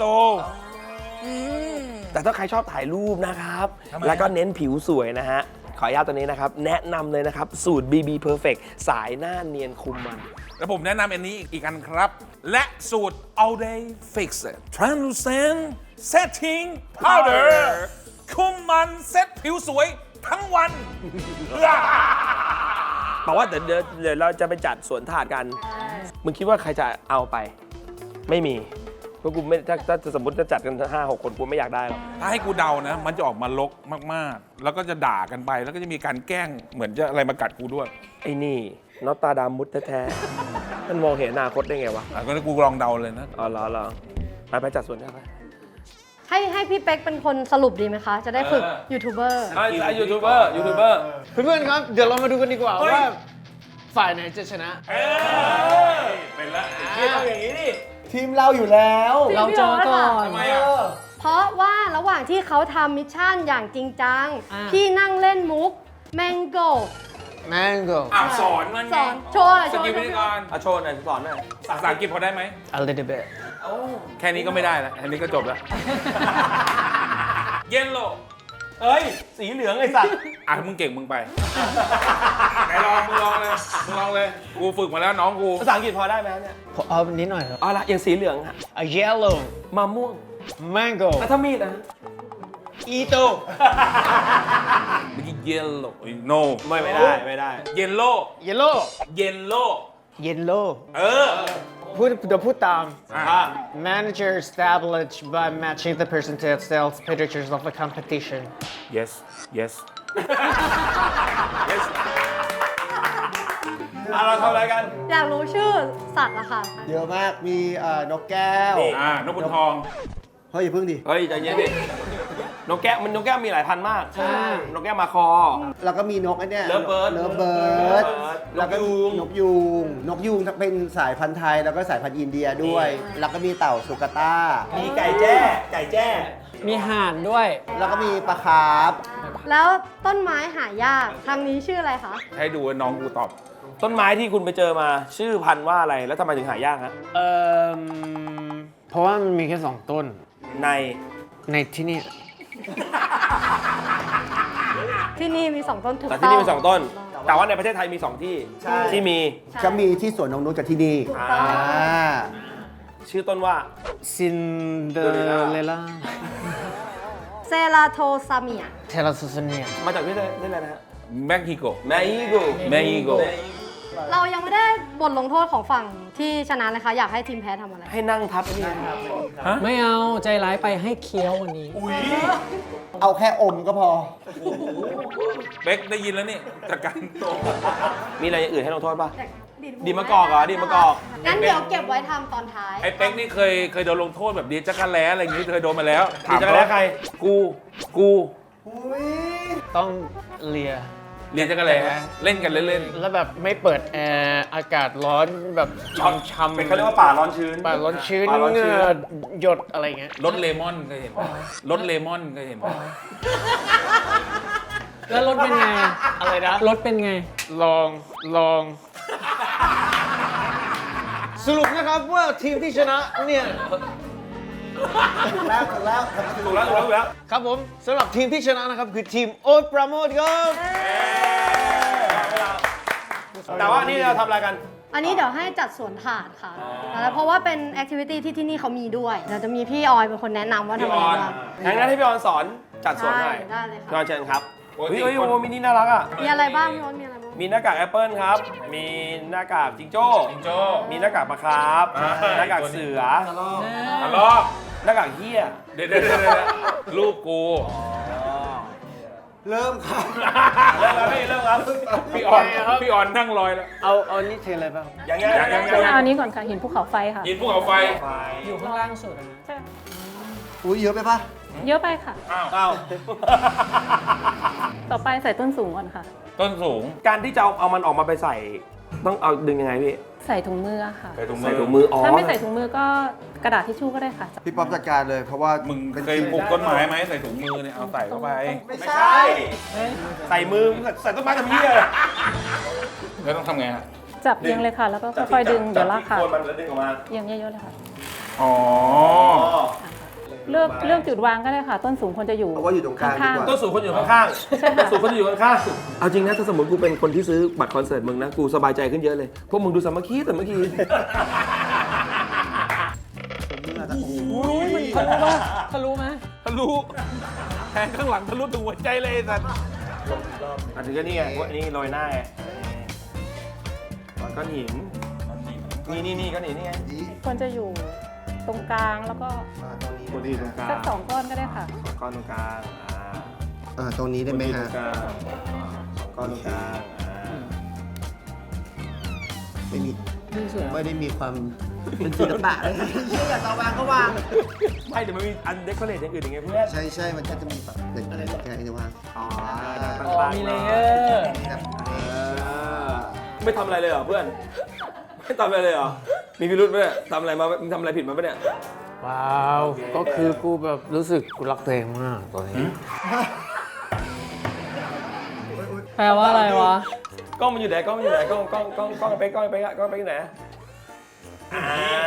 Speaker 1: แต่ถ้าใครชอบถ่ายรูปนะครับ
Speaker 2: ทำไม
Speaker 1: แล้วก็เน้นผิวสวยนะฮะ ขออนุญาตตัวนี้นะครับ แนะนำเลยนะครับ สูตร บี บี Perfect สายหน้าเนียนคุมมัน
Speaker 2: แล้วผมแนะนำอันนี้อีกอันครับ และสูตร All Day Fix Translucent Setting Powder คุมมันเซ็ตผิวสวยทั้งวัน
Speaker 1: บอกว่าเดี๋ยวเดี๋ยวเดี๋ยวเราจะไปจัดสวนถาดกัน มึงคิดว่าใครจะเอาไป ไม่มี เพราะกูไม่ถ้าถ้าสมมติจะจัดกันห้าหกคนกูไม่อยากได้หรอก
Speaker 2: ถ้าให้กูเดานะ มันจะออกมาลกมากๆ แล้วก็จะด่ากันไป แล้วก็จะมีการแกล้งเหมือนจะอะไรมากัดกูด้วย
Speaker 1: ไอ้นี่นอตตาดามุดแท้ๆ มันมองเห็นอนาคตได้ไงวะ
Speaker 2: อ่ะก็กูลองเดาเลยนะ
Speaker 1: อ๋อเหรอเหรอไปไปจัดสวนได้ไหม
Speaker 3: ให้ให้พี่เป๊กเป็นคนสรุปดีไหมคะ จะได้ฝึกยูทูบเบอร์
Speaker 1: ไอ้ยูทูบเบอร์ยูทูบเบอร์
Speaker 5: เพื่อนๆครับ เดี๋ยวเรามาดูกันดีกว่าว่าฝ่ายไหนจะชนะ
Speaker 2: เป็นละ
Speaker 1: เอาอย่างนี้ดิ
Speaker 4: ทีมเราอยู่แล้ว
Speaker 6: เราเจอก่อน
Speaker 2: ทำไมอ่ะ
Speaker 3: เพราะว่าระหว่างที่เขาทำมิชชั่นอย่างจริงจัง
Speaker 6: อ่า
Speaker 3: พี่นั่งเล่นมุกแมงโก
Speaker 5: Mango
Speaker 2: อ่ะสอนมัน
Speaker 3: ส
Speaker 2: ไง
Speaker 3: อนโชว์หน่อย
Speaker 2: ส
Speaker 3: โชว์
Speaker 2: กิลวิธีการ
Speaker 1: อ่ะโชว์หน่อยสอนหน่อย
Speaker 2: ภาษาอังกฤษพอได้ไหม
Speaker 5: a little bit
Speaker 2: แค่นี้ก็ไม่ได้แล้วแค่นี้ก็จบแล้ว เยนโล
Speaker 1: เอ้ย สีเหลืองไอ้สัตว์
Speaker 2: อ่ะมึงเก่งมึงไป ไหนลองมึงลองเลยมึงลองเลย กูฝึกมาแล้วน้องกู
Speaker 1: ภาษาอังกฤษพอได้ไหมเนี่ย
Speaker 5: ผมเอานิดหน่อยครับ
Speaker 1: เอาละอย่างสีเหลืองอะ
Speaker 5: a yellow
Speaker 1: มะม่วง
Speaker 5: mango
Speaker 1: แล้วถ้ามีดนะ
Speaker 5: ito
Speaker 2: เมื่อกี้เยนโล โน
Speaker 1: ไม่ไม่ได้ไม่ได้
Speaker 2: เยนโล
Speaker 5: yellow
Speaker 2: เยนโล
Speaker 5: yellow
Speaker 2: เออ
Speaker 5: พูดเดี๋ยวพูดตาม
Speaker 2: อ่ะ
Speaker 5: manager established by matching the percentage sales pictures of the competition
Speaker 2: yes yes
Speaker 1: อ่ะเราทำอะไรกัน
Speaker 3: อยากรู้ชื่อสัตว์อะค่ะ
Speaker 4: เยอะมาก มีเอ่อนกแก้ว
Speaker 2: อ่านกขุนทอง
Speaker 4: เฮ้ยอย่าพึ่งดิ
Speaker 1: เฮ้ยใจเย็นดิ นกแก้วมันนกแก้วมีหลายพันธุ์มาก
Speaker 6: ใช่
Speaker 1: นกแก้วมาคอ
Speaker 4: แล้วก็มีนกไอ้เนี่ย
Speaker 1: Lovebird
Speaker 4: เลิฟเบิร์ด
Speaker 1: Lovebird
Speaker 4: แล้วก็
Speaker 1: นกยูง
Speaker 4: นกยูง นกยูงเป็นสายพันธุ์ไทย แล้วก็สายพันธุ์อินเดียด้วย แล้วก็มีเต่าสุกาต้า
Speaker 1: มีไก่แจ้ ไก่แจ้
Speaker 6: มีห่านด้วย
Speaker 4: แล้วก็มีปลาคาร์ฟ
Speaker 3: แล้วต้นไม้หายากทางนี้ชื่ออะไรคะ
Speaker 2: ให้ดูว่าน้องกูตอบ
Speaker 1: ต้นไม้ที่คุณไปเจอมาชื่อพันธุ์ว่าอะไร แล้วทำไมถึงหายากฮะ
Speaker 5: เอ่อเพราะว่ามันมีแค่สองต้น
Speaker 1: ใน
Speaker 5: ในที่นี่
Speaker 3: ที่นี่มีสองต้นถูก
Speaker 1: แต่
Speaker 3: ต้อง
Speaker 1: ที่นี่มีสองต้น แต่ว่าในประเทศไทยมีสองที่
Speaker 4: ใช่
Speaker 1: ที่มี
Speaker 4: ก็มีที่สวนนงนุชกับที่นี่
Speaker 3: ถูกต้อง
Speaker 4: อ่า
Speaker 1: ชื่อต้นว่า
Speaker 5: ซินเดอเรล่า
Speaker 3: เซราโทซาเมีย
Speaker 5: เทเลซูซเนีย
Speaker 1: มาจากที่ไหนที่ไหนนะฮะ
Speaker 2: แม็กซิโก
Speaker 1: แมอีโก
Speaker 2: แมอีโก
Speaker 3: เรายังไม่ได้บทลงโทษของฝั่งที่ชนะเลยค่ะ อยากให้ทีมแพ้ทำอะไร
Speaker 1: ให้นั่งทับนี่ครับ
Speaker 6: ไม่เอา ใจร้ายไปให้เคี้ยววันนี้
Speaker 4: เอาแค่อมก็พอ
Speaker 2: เบ็กได้ยินแล้วนี่จากการโต
Speaker 1: มีอะไรอย่างอื่นให้ลงโทษป่ะ ดีมะกอกเหรอดีมะกอก
Speaker 3: งั้นเดี๋ยวเก็บไว้ทำตอนท้าย
Speaker 2: ไอ้เป๊กนี่เคยเคยโดนลงโทษแบบดีจักรแล้อะไรอย่างงี้เคยโดนมาแล้ว
Speaker 1: ดีจักรแล้ใคร กู กู
Speaker 5: ต้องเลีย
Speaker 2: เรียนจักรแล้เล่นกันเล่น
Speaker 5: แล้วแบบไม่เปิดแอร์อากาศร้อนแบบช้ำๆ
Speaker 1: เป็นเขาเรียกว่าป่าร้อนชื้น
Speaker 5: ป่าร้อนชื้น
Speaker 1: ป่าร้อน
Speaker 5: เห
Speaker 1: ชื้
Speaker 5: งื่
Speaker 1: น
Speaker 5: อหยดอะไรเงี้ย
Speaker 2: ๆรถเลมอนเคยเห็นปะรถเลมอนเคยเห็นปะ
Speaker 6: แล้วรถเป็นไง
Speaker 5: อะไรนะ
Speaker 6: รถเป็นไง
Speaker 5: ลองลอง สรุปนะครับว่าทีมที่ชนะเนี่ย
Speaker 4: ถูกแล้วถูกแล้ว
Speaker 1: ถูกแล้วถูกแล้วถูกแล้ว
Speaker 5: ครับผมสำหรับทีมที่ชนะนะครับ คือทีมโอ๊ตปราโมทครับ
Speaker 1: แต่ว่านี่เราทำอะไรกัน
Speaker 3: อัอันนี้เดี๋ยวให้จัดสวนถาดค่ะแล้วเพราะว่าเป็นแอคทิวิตี้ที่ที่นี่เขามีด้วยเดี๋ยวจะมีพี่ออยเป็นคนแนะนำว่าทำอะไรบ้าง
Speaker 1: งั้นให้พี่ออนสอนจัดสวนหน่อย
Speaker 3: ใช่ได้เลยค่ะ
Speaker 1: พี่ออนเชิญครับเฮ้ยเฮ้ยโอ้มินิน่ารักอ่ะ
Speaker 3: มีอะไรบ้างพี่ออนมีอะไรบ้าง
Speaker 1: มีหน้ากากแอปเปิลครับ มีหน้ากากจิงโจ้
Speaker 2: จิงโจ้
Speaker 1: มีหน้ากากปลาคาร์ฟ
Speaker 2: อ่า
Speaker 1: หน้ากากเสือ
Speaker 2: ทะเลาะ
Speaker 1: หน้ากากเหี้ย
Speaker 2: เดี๋ยวเดี๋ยวเดี๋ยวเดี๋ยวลูกกู
Speaker 4: เริ่มครับ
Speaker 1: เริ่มครับพี่เริ่มครับ
Speaker 2: พี่ออนพี่ออนนั่งลอยแล้ว
Speaker 5: เอาเอานี่เทอะไรบ้าง
Speaker 1: ยังไงยังไง
Speaker 2: ยังไง
Speaker 1: ยังไง
Speaker 7: เอาอันนี้ก่อนค่ะหินภูเขาไฟค่ะ
Speaker 2: ยินภูเขาไฟ
Speaker 6: อยู่ข้างล่างสุดอะนะ
Speaker 4: อุ้ยเยอะไปปะ
Speaker 7: เยอะไปค่ะ
Speaker 2: อ้าว
Speaker 1: อ้าว
Speaker 7: ต่อไปใส่ต้นสูงก่อนค่ะ
Speaker 2: ต้นสูง
Speaker 1: การที่จะเอาเอามันออกมาไปใส่ ต้องเอาดึงยังไงพี่
Speaker 7: ใส่ถุงมือค่ะ
Speaker 2: ใส่ถุงมื
Speaker 1: ใส่
Speaker 2: อ
Speaker 1: ถุงมืออ๋อ
Speaker 7: ถ้าไม่ใส่ถุงมือก็กระดาษทิชชู่ก็ได้ค่ะ
Speaker 4: พี่ป๊อปจัดการเลยเพราะว่า
Speaker 2: มึง
Speaker 4: ป็น
Speaker 2: เคยปลูกต้นไม้ไหมใส่ถุงมือเนี่ยเอาใส่เข้าไป
Speaker 4: ไม่
Speaker 1: ไม่
Speaker 4: ใช่
Speaker 1: ใช่ ใส่มือใส่ต้นไม้ทำเหี้ย
Speaker 2: แล้วต้องทำไงฮะ
Speaker 7: จับเรียงเลยค่ะ แล้วก็ค่อยๆดึงเดี๋ยวลากค่ะ
Speaker 1: โคนมันแล้วดึงออกมา
Speaker 7: เรียงเยอะๆเลยค่ะ
Speaker 2: อ๋อ
Speaker 7: เลือกเลือกจุดวางก็ได้ค่ะ ต้นสูงควรจะอยู่
Speaker 4: เอาว่าอยู่ตรงกลางดีกว่า
Speaker 1: ต้นสูงคนอยู่ข้างๆต้นสูงคนอยู่ข้างๆเอาจริงนะถ้าสมมติกูเป็นคนที่ซื้อบัตรคอนเสิร์ตมึงนะ กูสบายใจขึ้นเยอะเลย พวกมึงดูสามัคคีแต่เมื่อกี้
Speaker 6: ทะลุไหม
Speaker 2: ทะลุแทงข้างหลังทะลุถึงหัวใจเลยไอ้สัตว์
Speaker 1: อันนี้ก็นี่ไงว่านี่โรยหน้าไงก้อนหิน นี่นี่นี่ก้อนหินนี่ไง
Speaker 7: ควรจะอยู่ตรงกลางแล้วก็
Speaker 1: ปกติตรงกลาง
Speaker 7: สักสองก้อนก็ได้ค่ะ
Speaker 1: สองก้อนตรงกลางอ่า
Speaker 4: อ่าตรงนี้ได้ไหมฮะ
Speaker 1: ตรงกลางสองก้อนตรงกลางอ่า
Speaker 4: ไม่มีไม่ได้มีความเป็นศิลปะเลยเชื่ออยากจะวางก็วาง
Speaker 1: ไม่เดี๋ยวมันมีอันเดคอเรทอย่างอื่นอย่างเงี้ยเพื่อน
Speaker 4: ใช่ใช่มันก็จะมีแบบเด็กอะไรแกจะวาง
Speaker 1: อ๋อ
Speaker 6: อ๋อมีเลเยอร์
Speaker 4: แบบ
Speaker 1: ไม่ทำอะไรเลยเหรอเพื่อน ไม่ทำอะไรเลยเหรอ มีพิรุธไหมเนี่ยทำอะไรมามึงทำอะไรผิดมาปะเนี่ย
Speaker 5: เปล่าก็คือกูแบบรู้สึกกูรักตัวเองมากตอนนี้
Speaker 6: แปลว่าอะไรวะ
Speaker 1: กล้องมันอยู่ไหนกล้องมันอยู่ไหนกล้องกล้องกล้องกล้องไปกล้องไปกล้องไปอยู่ไหนอ่า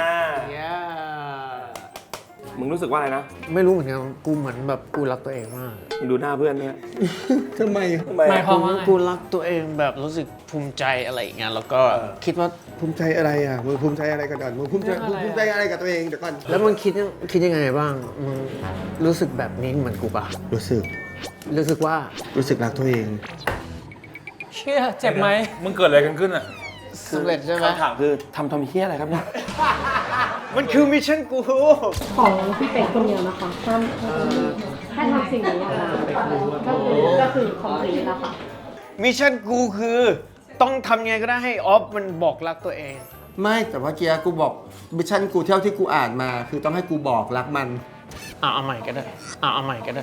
Speaker 1: มึงรู้สึกว่าอะไรนะ
Speaker 5: ไม่รู้เหมือนกันกูเหมือนแบบกูรักตัวเองมาก
Speaker 1: มึงดูหน้าเพื่อนเนี่ย
Speaker 4: ทำไม
Speaker 1: ทำไม
Speaker 6: หมายความว่าไง
Speaker 5: กูรักตัวเองแบบรู้สึกภูมิใจอะไรอย่างเงี้ยแล้วก็คิดว่า
Speaker 4: ภูมิใจอะไรอ่ะมึงภูมิใจอะไรกันก่อนมึงภูมิใจ
Speaker 6: เรื่องอะไรอ่ะ
Speaker 4: ภูมิใจอะไรกับตัวเองเดี๋ยวก่อน
Speaker 5: แล้วมึงคิดคิดยังไงบ้างมึงรู้สึกแบบนี้เหมือนกูปะ
Speaker 4: รู้สึก
Speaker 5: รู้สึกว่า
Speaker 4: รู้สึกรักตัวเอง
Speaker 6: เชี่ยเจ็บไหม
Speaker 2: มึงเกิดอะไรกันขึ้นอ่ะ
Speaker 5: สำเร็จใช่ไหม
Speaker 1: คำถามคือทำทำเฮี้ยอะไรครับเนี่ย
Speaker 5: มันคือมิชชั่นกู
Speaker 3: ของพี่เป็ดคนเดียวนะคะห้ามแค่ทำสิ่งนี้อะค่ะก็คือก็คือของฟรีแล้วค่ะ
Speaker 5: มิชชั่นกูคือต้องทำไงก็ได้ให้ออฟมันบอกรักตัวเอง
Speaker 4: ไม่แต่ว่าเกียร์กูบอกมิชชั่นกูเท่าที่กูอ่านมา คือต้องให้กูบอกรักมัน
Speaker 5: อ่ะเอาใหม่ก็ได้อ่ะเอาใหม่ก็ได้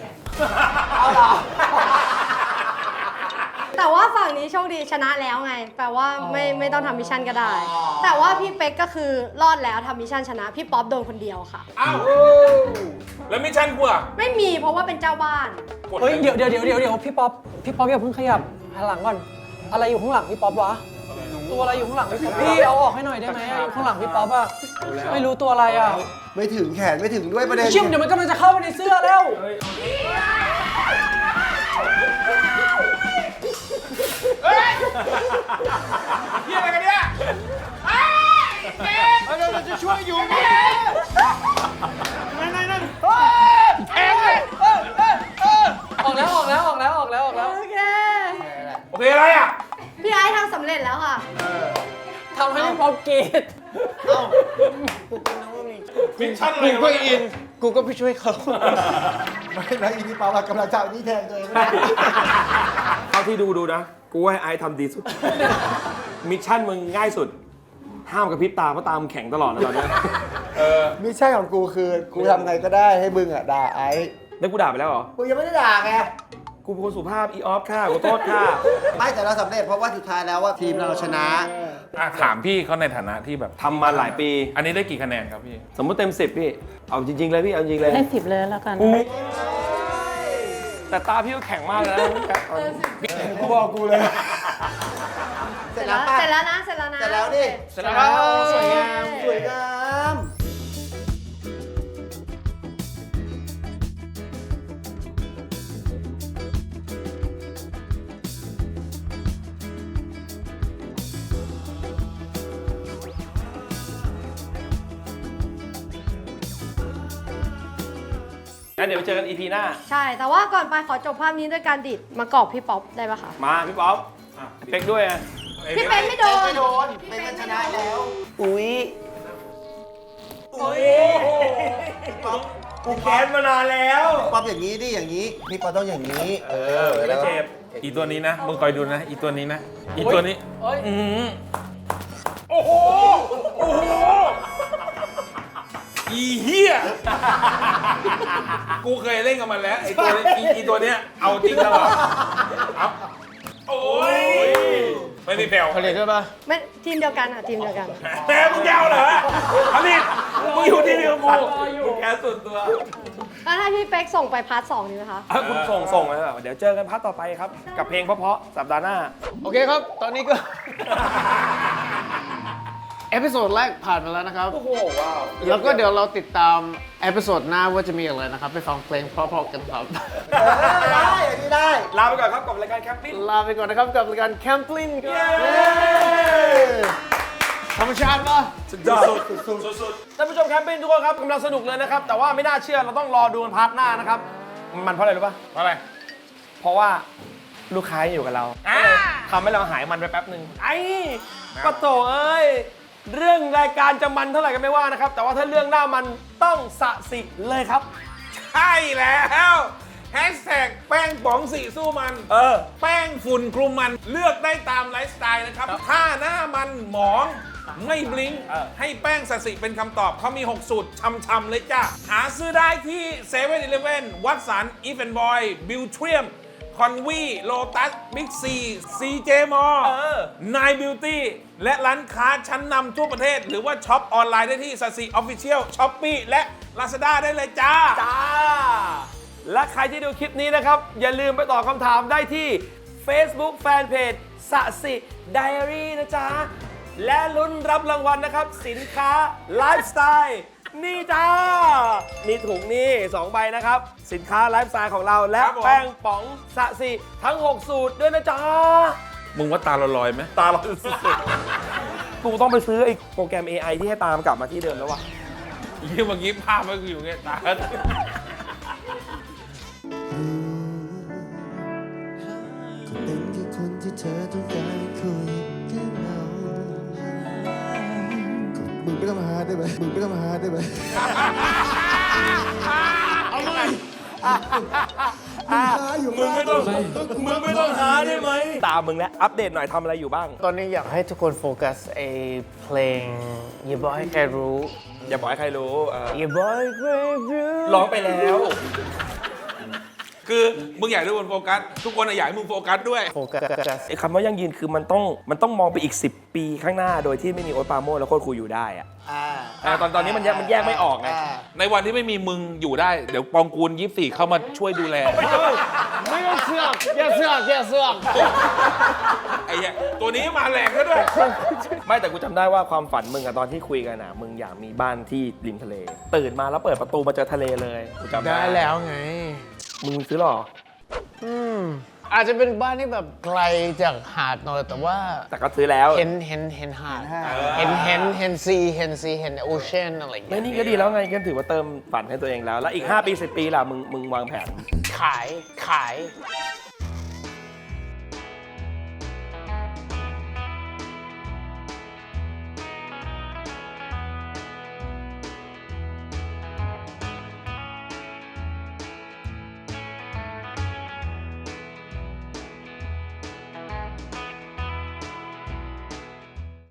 Speaker 3: แต่ว่าฝั่งนี้โชคดีชนะแล้วไง แปลว่าไม่ไม่ต้องทำมิชชั่นก็ได้ แต่ว่าพี่เป๊กก็คือรอดแล้วทำมิชชั่นชนะ พี่ป๊อปโดนคนเดียวค่ะ
Speaker 2: อ้าว แล้วมิชชั่นกูอ่ะ
Speaker 3: ไม่มีเพราะว่าเป็นเจ้าบ้าน
Speaker 6: เฮ้ย เดี๋ยวเดี๋ยวเดี๋ยวเดี๋ยวเดี๋ยวพี่ป๊อป พี่ป๊อปอย่าเพิ่งขยับหันหลังก่อน อะไรอยู่ข้างหลังพี่ป๊อปวะ ตัวอะไรอยู่ข้างหลังพี่ป๊อปพี่เอาออกให้หน่อยได้ไหมอยู่ข้างหลังพี่ป๊อปอะไม่รู้ตัวอะไรอะ
Speaker 4: ไม่ถึงแขนไม่ถึงด้วยประเด็น
Speaker 6: ชิมเดี๋ยวมันกำลังจะเข้าไปในเสื้อแล้ว
Speaker 2: เฮียอะไรกันเนี่ย
Speaker 5: เราจะช่วยอยู่
Speaker 6: ออกแล้วออกแล้วออกแล้วออกแล้วออกแล้ว
Speaker 3: โอเค
Speaker 2: โอเคอะไรอ่ะ
Speaker 3: พี่ไอซ์ทำสำเร็จแล้วค่ะ
Speaker 6: ทำให้พี่ป๊อปกรีด
Speaker 2: มิชชั่นอะไร
Speaker 5: กูก็อิน กูก็ไปช่วยเขา
Speaker 4: ไม่แล้วอีพี่ป๊อปอะกำลังจะเอานี่แทนตัวเอง
Speaker 1: เท่าที่ดูดูนะ กูว่าให้ไอซ์ทำดีสุด มิชชั่นมึงง่ายสุด ห้ามกระพริบตาเพราะตามึงแข็งตลอดนะตอนเนี้ย
Speaker 2: เออ
Speaker 4: มิชชั่นของกูคือกูทำไงก็ได้ให้มึงอ่ะด่าไอ้
Speaker 1: แล้วกูด่าไปแล้วเหรอ
Speaker 4: กูยังไม่ได้ด่าไง
Speaker 1: กูเป็นคนสุภาพอีออฟค่ะขอโทษค่ะ
Speaker 4: ไม่แต่เราสำเร็จเพราะว่าสุดท้ายแล้วว่าทีมเราชนะ
Speaker 2: อ่ะถามพี่เขาในฐานะที่แบบ
Speaker 1: ทำมาหลายปี
Speaker 2: อันนี้ได้กี่คะแนนครับพี่
Speaker 1: สมมติเต็มสิบพี่ เอาจริง ๆ เลยพี่ เอาจริงๆเลย
Speaker 7: ให้สิบเลยแล้วกัน
Speaker 1: แต่ตาพี่ก็แข็งมากเลยนะ
Speaker 4: กูบอกกูเลย
Speaker 3: เสร็จแล้วเสร็จแล้วนะ เสร็จแล้วนะ
Speaker 4: เสร็จแล้วดิ
Speaker 3: เสร็จแล้ว
Speaker 4: สวยงามสวยงาม
Speaker 1: งั้นเดี๋ยวไปเจอกัน อี พี หน้า
Speaker 3: ใช่ แต่ว่าก่อนไปขอจบภาพนี้ด้วยการดิดมากรอบพี่ป๊อปได้ปะคะ
Speaker 1: มาพี่ป๊อปเป๊กด้วยอะ
Speaker 3: พี่เป็นไม่โดน
Speaker 4: ไม่โดนเป็นมันชนะแล้ว อุ้ย
Speaker 1: กูแค้นมานานแล้ว
Speaker 4: ป๊อปอย่างนี้ดิอย่างนี้พี่ป๊อปต้องอย่างนี้ เออ
Speaker 1: ไม่เจ็บ
Speaker 2: อีตัวนี้นะ มึงคอยดูนะ อีตัวนี้นะ อีตัวนี้
Speaker 6: เอ้ย
Speaker 2: อืมโอ้โห โอ้โห อีเหี้ย กูเคยเล่นกับมันแล้ว ไอ้ตัวนี้อีอีตัวเนี้ย เอาจริงตลอดเอาโอ้ย ไม่มีแผ่ว
Speaker 5: ผลิตด้วยปะ
Speaker 3: ไม่ทีมเดียวกันค่ะทีมเดียวกัน
Speaker 2: แม่มึงยาวเหรออันนี้มึงอยู่ที่เดียวกูมึงแค่สุดตัว
Speaker 3: แล้วถ้าพี่เป๊กส่งไปพาร์ทสองดีไหมคะ
Speaker 1: อ่ะคุณส่งส่งเลยเหรอเดี๋ยวเจอกันพาร์ทต่อไปครับ กับเพลงเพราะๆสัปดาห์หน้า
Speaker 5: โอเคครับ ตอนนี้ก็ เอพิโซดแรกผ่านไปแล้วนะครับ
Speaker 1: โอ้โห ว้าว
Speaker 5: แล้วก็เดี๋ยวเราติดตามเอพิโซดหน้าว่าจะมีอะไรนะครับ ไปฟังเพลงเพราะๆกันครับ
Speaker 4: เออได้อันนี้ได้
Speaker 1: ลาไปก่อนครับกับรายการแคมปิ้ง
Speaker 5: ลาไปก่อนนะครับกับรายการแคมปลินครับธรรมชาติปะ
Speaker 1: สุดยอดสุดๆท่านผู้ชมแคมปิ้งทุกคนครับกำลังสนุกเลยนะครับ แต่ว่าไม่น่าเชื่อเราต้องรอดูกันพาร์ทหน้านะครับ มันเพราะอะไรรู้ป่ะ
Speaker 2: เพราะอะไร
Speaker 1: เพราะว่าลูกค้ายังอยู่กับเราทำให้เราหายมันไปแป๊บหนึ่งไอ้ปะโถเอ้ย เรื่องรายการจะมันเท่าไหร่ก็ไม่ว่านะครับ แต่ว่าถ้าเรื่องหน้ามันต้องสะสิเลยครับ
Speaker 2: ใช่แล้วแฮชแท็กแป้งป๋องสีสู้มัน
Speaker 1: เออ
Speaker 2: แป้งฝุ่นคลุมมันเลือกได้ตามไลฟ์สไตล์นะครับ ถ้าหน้ามันหมองไม่บลิงก์
Speaker 1: เออ
Speaker 2: ให้แป้งสสิเป็นคำตอบเขามี หก สูตรช่ำๆเลยจ้ะ หาซื้อได้ที่เซเว่นอีเลฟเว่นวัตสันอีฟแอนด์บอยบิวเทียมคอนวีโลตัสบิ๊กซีซีเจมอล
Speaker 1: เออ
Speaker 2: นายบิวตี้และร้านค้าชั้นนำทั่วประเทศ หรือว่าช็อปออนไลน์ได้ที่สัสิออฟฟิเชียลช้อปปี้และ Lazada ได้เลยจ้า
Speaker 1: จ้า และใครที่ดูคลิปนี้นะครับ อย่าลืมไปตอบคำถามได้ที่ Facebook Fanpage สะสิไดอารี่นะจ๊ะ และลุ้นรับรางวัลนะครับ สินค้าไลฟ์สไตล์นี่จ้า นี่ถุงนี่สองใบนะครับ สินค้าไลฟ์สไตล์ของเราและ
Speaker 2: ครับผม
Speaker 1: แป้งป๋องสะสิทั้ง หก สูตรด้วยนะจ๊ะ
Speaker 2: มึงว่าตาเราลอยไหม
Speaker 1: ตาเราสุดๆกูต้องไปซื้อไอ้โปรแกรม เอ ไอ ที่ให้ตามกลับมาที่เดิมแล้ววะ
Speaker 2: ยี่เมื่อกี้ภาพมันอยู่ไงตา
Speaker 10: ก็เป็นแค่คนที่เธอต้องการคุยแค่เรามึงไม่ต้องมาหาได้ไหมมึงไม่ต้องมาหาได้ไหม
Speaker 1: เอาใหม่
Speaker 10: อยู่
Speaker 1: มึงไม่ต้องมึงไม่ต้องหาได้ไหมตามมึงแล้วอัปเดตหน่อยทำอะไรอยู่บ้าง
Speaker 5: ตอนนี้อยากให้ทุกคนโฟกัสไอเพลงอย่าบอกให้ใครรู้
Speaker 1: อย่าบอกให้ใครรู้เออ
Speaker 5: อย่าบอกให้ใครรู้
Speaker 1: ร้องไปแล้ว
Speaker 2: คือมึงอยากให้ทุกคนโฟกัส ทุกคนอะอยากให้มึงโฟกัสด้วย
Speaker 5: โฟกัส
Speaker 1: ไอ้คำว่ายั่งยืนคือมันต้องมันต้องมองไปอีก สิบ ปีข้างหน้าโดยที่ไม่มีโอ๊ตปราโมชและโคตรครูอยู่ได้อะ
Speaker 4: อ่า
Speaker 1: เออตอนตอนนี้มันแยกมันแยกไม่ออกไง
Speaker 2: ในวันที่ไม่มีมึงอยู่ได้ เดี๋ยวปองกูลยี่สิบสี่เข้ามาช่วยดูแล
Speaker 5: ไม่ต้องเสือกอย่าเสือกอย่าเสือก
Speaker 2: ไอ้เหี้ยตัวนี้มาแรงก็ด้วย
Speaker 1: ไม่แต่กูจำได้ว่าความฝันมึงอะตอนที่คุยกันอะมึงอยากมีบ้านที่ริมทะเล ตื่นมาแล้วเปิดประตูมาเจอทะเลเลยกูจำได้
Speaker 5: ได้แล้วไง
Speaker 1: มึงซื้อหรอ
Speaker 5: อืมอาจจะเป็นบ้านที่แบบไกลจากหาดหน่อยแต่ว่า
Speaker 1: แต่ก็ซื้อแล้ว
Speaker 5: เห็นเห็นเห็นหาดเห็นเห็นเห็นซีเห็นซีเห็นโอเชียนอะไรอย่าง
Speaker 1: ไม่
Speaker 5: เงี้ย
Speaker 1: นี่ก็ดีแล้วไงก็ถือว่าเติมฝันให้ตัวเองแล้ว แล้วอีก ห้า ปี สิบ ปีล่ะมึงมึงวางแผน
Speaker 5: ขายขาย